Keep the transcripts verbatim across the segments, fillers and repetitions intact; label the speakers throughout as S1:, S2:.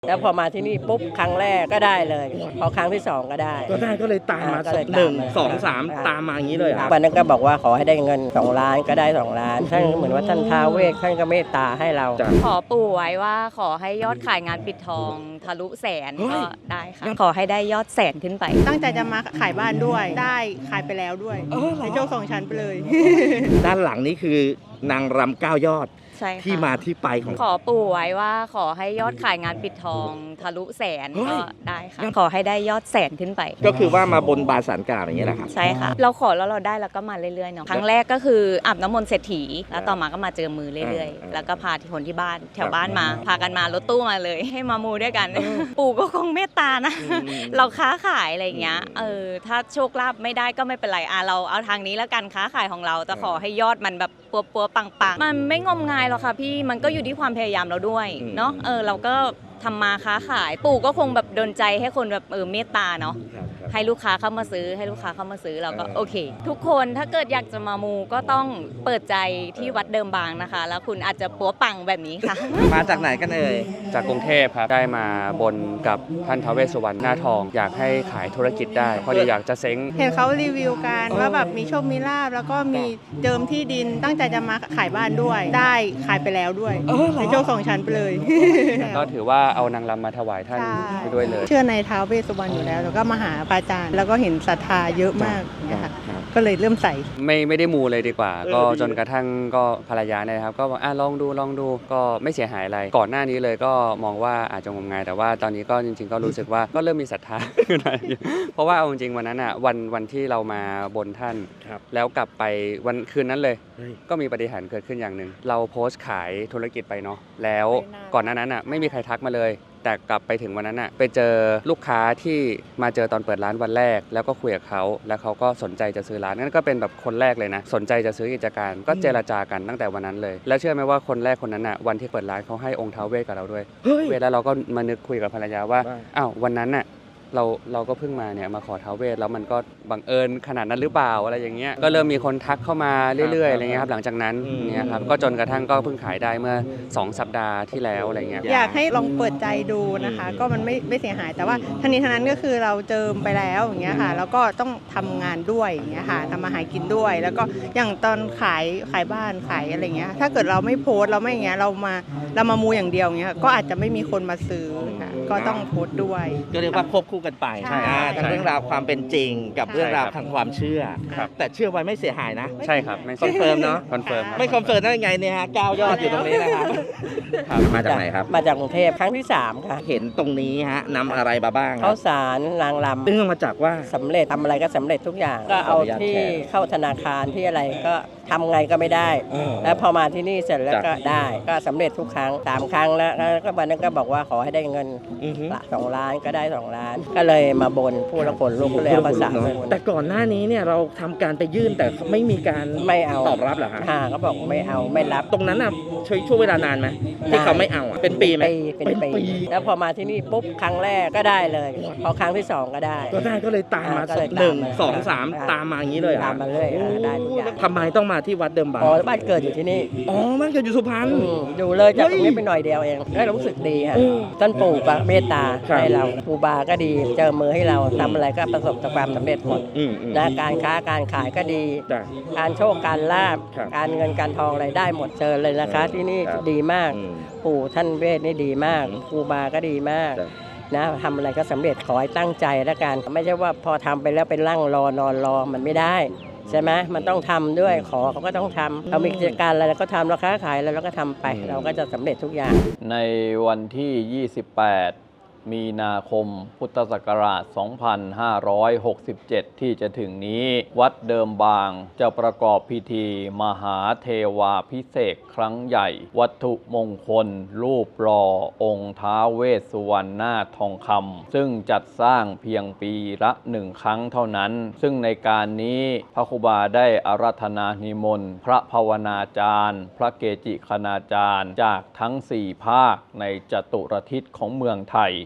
S1: แล้วพอมาที่นี่ปุ๊บครั้งแรกก็ได้เลยพอครั้งที่สองก็ได้
S2: ก็ได้ก็เลยตามมาหนึ่งสองสามตามมาอย่างนี้เลยครับ
S1: วันนั้นก็บอกว่าขอให้ได้เงินสองล้านก็ได้สองล้านท่านเหมือนว่าท่านท้าวเวสท่านก็เมตตาให้เรา
S3: ขอปู่ไว้ว่าขอให้ยอดขายงานปิดทองทะลุแสนก็ได้ค่ะขอให้ได้ยอดแสนขึ้นไป
S4: ตั้งใจจะมาขายบ้านด้วยได้ขายไปแล้วด้วยในโชคสองชั้นไปเลย
S2: ด้านหลังนี้คือนางรำเก้ายอดที่มาที่ไปของ
S3: ขอปู่ไว้ว่าขอให้ยอดขายงานปิดทองทะลุแสนก็ได้ค่ะขอให้ได้ยอดแสนขึ้นไป
S2: ก็คือว่ามาบนบานสารกล่าวอย่างนี้แหละครับ
S3: ใช่ค่ะเราขอแล้วเราได้แล้วก็มาเรื่อยๆเนาะครั้งแรกก็คืออาบน้ำมนต์เศรษฐีแล้วต่อมาก็มาเจอมือเรื่อยๆแล้วก็พาที่คนที่บ้านแถวบ้านมาพากันมารถตู้มาเลยให้มามูด้วยกันปู่ก็คงเมตตานะเราค้าขายอะไรอย่างเงี้ยเออถ้าโชคลาภไม่ได้ก็ไม่เป็นไรอ่ะเราเอาทางนี้แล้วกันค้าขายของเราแต่ขอให้ยอดมันแบบปัวๆปังๆมันไม่งมงายหรอกค่ะพี่มันก็อยู่ที่ความพยายามเราด้วยเนาะเออเราก็ทำมาค้าขายปู่ก็คงแบบดลใจให้คนแบบเออเมตตาเนาะให้ลูกค้าเข้ามาซื้อให้ลูกค้าเข้ามาซื้อเราก็โอเคทุกคนถ้าเกิดอยากจะมามูก็ต้องเปิดใจที่วัดเดิมบางนะคะแล้วคุณอาจจะปัวปังแบบนี้ค่ะ
S2: มาจากไหนกันเอ่ย
S5: จากกรุงเทพครับได้มาบนกับท่านท้าวเวสสุวรรณหน้าทองอยากให้ขายธุรกิจได้พอดีอยากจะเซ้ง
S4: เห็นเขารีวิวกันว่าแบบมีโชคมีลาภแล้วก็มีเจิมที่ดินตั้งใจจะมาขายบ้านด้วยได้ขายไปแล้วด้วยในโชคสองชั้นไปเลย
S5: ก็ถือว่าเอานางรำมาถวายท่านไปด้วยเลย
S4: เชื่อในท้าวเวสสุวรรณอยู่แล้วแล้วก็มาหาพระอาจารย์แล้วก็เห็นศรัทธาเยอะมากนะคะก็เลยเริ่มใส่
S5: ไม่ไม่ได้มูเลยดีกว่าก็จนกระทั่งก็ภรรยาเนี่ยครับก็บอกอ่ะลองดูลองดูก็ไม่เสียหายอะไรก่อนหน้านี้เลยก็มองว่าอาจจะงมงายแต่ว่าตอนนี้ก็จริงๆก็รู้สึกว่าก็เริ่มมีศรัทธาเพราะว่าเอาจริงๆวันนั้นอ่ะวันวันที่เรามาบนท่านแล้วกลับไปวันคืนนั้นเลยก็มีปาฏิหาริย์เกิดขึ้นอย่างหนึ่งเราโพสต์ขายธุรกิจไปเนาะแล้วก่อนหน้านั้นอ่ะไม่มีใครทักมาเลยแต่กลับไปถึงวันนั้นอ่ะไปเจอลูกค้าที่มาเจอตอนเปิดร้านวันแรกแล้วก็คุยกับเขาแล้วเขาก็สนใจจะซื้อร้านนั่นก็เป็นแบบคนแรกเลยนะสนใจจะซื้อกิจการก็เจรจากันตั้งแต่วันนั้นเลยแล้วเชื่อไหมว่าคนแรกคนนั้นอ่ะวันที่เปิดร้านเขาให้องค์ท้าวเวสกับเราด้วยเวลาเราก็มานึกคุยกับภรรยาว่าอ้าววันนั้นอ่ะเราเราก็เพิ่งมาเนี่ยมาขอท้าวเวสแล้วมันก็บังเอิญขนาดนั้นหรือเปล่าอะไรอย่างเงี้ยก็เริ่มมีคนทักเข้ามาเรื่อยๆอะไรเงี้ยครับหลังจากนั้นเนี่ยครับก็จนกระทั่งก็เพิ่งขายได้เมื่อสองสัปดาห์ที่แล้วอะไรเงี้ย
S4: อยากให้ลองเปิดใจดูนะคะก็มันไม่ไม่เสียหายแต่ว่าทั้งนี้ทั้งนั้นก็คือเราเจิมไปแล้วอย่างเงี้ยค่ะแล้วก็ต้องทำงานด้วยอย่างเงี้ยค่ะทำมาหากินด้วยแล้วก็อย่างตอนขายขายบ้านขายอะไรเงี้ยถ้าเกิดเราไม่โพสเราไม่อย่างเงี้ยเรามาเรามามูอย่างเดียวเงี้ยก็อาจจะไม่มีคนมาซื้อค่ะก็ต้องโพสด้วย
S2: ก็เรียกว่าควบคู่กันไปใช่ทั้งเรื่องราวความเป็นจริงกับเรื่องราวทางความเชื่อแต่เชื่อไว้ไม่เสียหายนะ
S5: ใช่ครับไม่
S2: คอนเฟิร์มเนาะ
S5: คอนเฟิร์ม
S2: ไม่คอนเฟิร์มได้ยังไงเนี่ยฮะเก้ายอดอยู่ตรงนี้นะครับมาจากไหนครับ
S1: มาจากกรุงเทพครั้งที่สามค่ะ
S2: เห็นตรงนี้ฮะนำอะไรมาบ้าง
S1: ข้าวสารนางรำ
S2: เรื่องมาจากว่า
S1: สำเร็จทำอะไรก็สำเร็จทุกอย่างก็เอาที่เข้าธนาคารที่อะไรก็ทำไงก็ไม่ได้แล้วพอมาที่นี่เสร็จแล้วก็ได้ก็สำเร็จทุกครั้งสามครั้งแล้วแล้วก็วันนั้นก็บอกว่าขอให้ได้เงินละสองล้านก็ได้สองล้านก็เลยมาบนผู้ละคนลูกแล้วภาษา
S2: แต่ก่อนหน้านี้เนี่ยเราทำการไปยื่นแต่ไม่มีการ
S1: ไม่เอา
S2: ตอบรับเหรอคะ
S1: เขาบอกไม่เอาไม่รับ
S2: ตรงนั้นน่ะใช้ช่วงเวลานานไหมที่เขาไม่เอาอ่ะเป็นปีไหม
S1: เป็นปีแล้วพอมาที่นี่ปุ๊บครั้งแรกก็ได้เลยพอครั้งที่สองก็ได้
S2: ก็ได้ก็เลยตามมาหนึ่งสองสามตามมาอย่างนี้เลย
S1: ตามมาเลยได้ทุกอย่าง
S2: ทำไมต้องมาที่วัดเดิมบาง
S1: อ๋อบ้านเกิดอยู่ที่นี่
S2: อ๋อบ้านเกิดอยู่สุพรรณ
S1: อยู่เลยจากตรงนี้ไปหน่อยเดียวเองได้รู้สึกดีค่ะท่านปู่ก็เมตตาให้เราปู่บาก็ดีเจอมือให้เราทำอะไรก็ประสบความสำเร็จหมดนะการค้าการขายก็ดีการโชคการลาภการเงินการทองอะไรได้หมดเจอเลยนะคะที่นี่ดีมากปู่ท่านเวทนี่ดีมากปู่บาก็ดีมากนะทำอะไรก็สำเร็จขอให้ตั้งใจแล้วกันไม่ใช่ว่าพอทำไปแล้วเป็นร่างรอนอนรอมันไม่ได้ใช่ไหมมันต้องทำด้วยขอเขาก็ต้องทำเรามีกิจการอะไรเราก็ทำเราค้าขายอะไรเราก็ทำไปเราก็จะสำเร็จทุกอย่าง
S6: ในวันที่ยี่สิบแปดมีนาคมพุทธศักราช สองพันห้าร้อยหกสิบเจ็ด ที่จะถึงนี้วัดเดิมบางจะประกอบพิธีมหาเทวาภิเษกครั้งใหญ่วัตถุมงคลรูปหล่อองค์ท้าวเวสสุวรรณนาถทองคำซึ่งจัดสร้างเพียงปีละหนึ่งครั้งเท่านั้นซึ่งในการนี้พระครูบาได้อาราธนานิมนต์พระภาวนาจารย์พระเกจิคณาจารย์จากทั้งสี่ภาคในจตุรทิศของเมืองไทย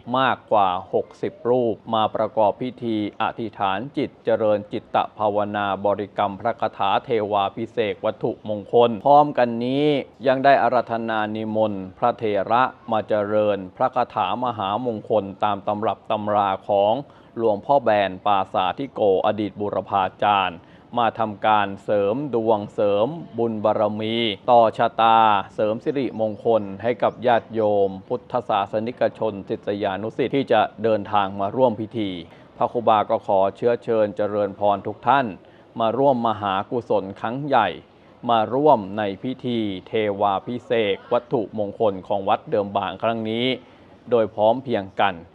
S6: มากกว่าหกสิบรูปมาประกอบพิธีอธิษฐานจิตเจริญจิตตภาวนาบริกรรมพระคาถาเทวาภิเษกวัตถุมงคลพร้อมกันนี้ยังได้อาราธนานิมนต์พระเถระมาเจริญพระคาถามหามงคลตามตำรับตำราของหลวงพ่อแบนปาสาธิโกอดีตบุรพาจารย์มาทำการเสริมดวงเสริมบุญบารมี ต่อชะตาเสริมสิริมงคลให้กับญาติโยม พุทธศาสนิกชนศิษยานุศิษย์ที่จะเดินทางมาร่วมพิธีพระครูบาก็ขอเชื้อเชิญเจริญพรทุกท่านมาร่วมมหากุศลครั้งใหญ่มาร่วมในพิธีเทวาภิเษกวัตถุมงคลของวัดเดิมบางครั้งนี้โดยพร้อมเพรียงกัน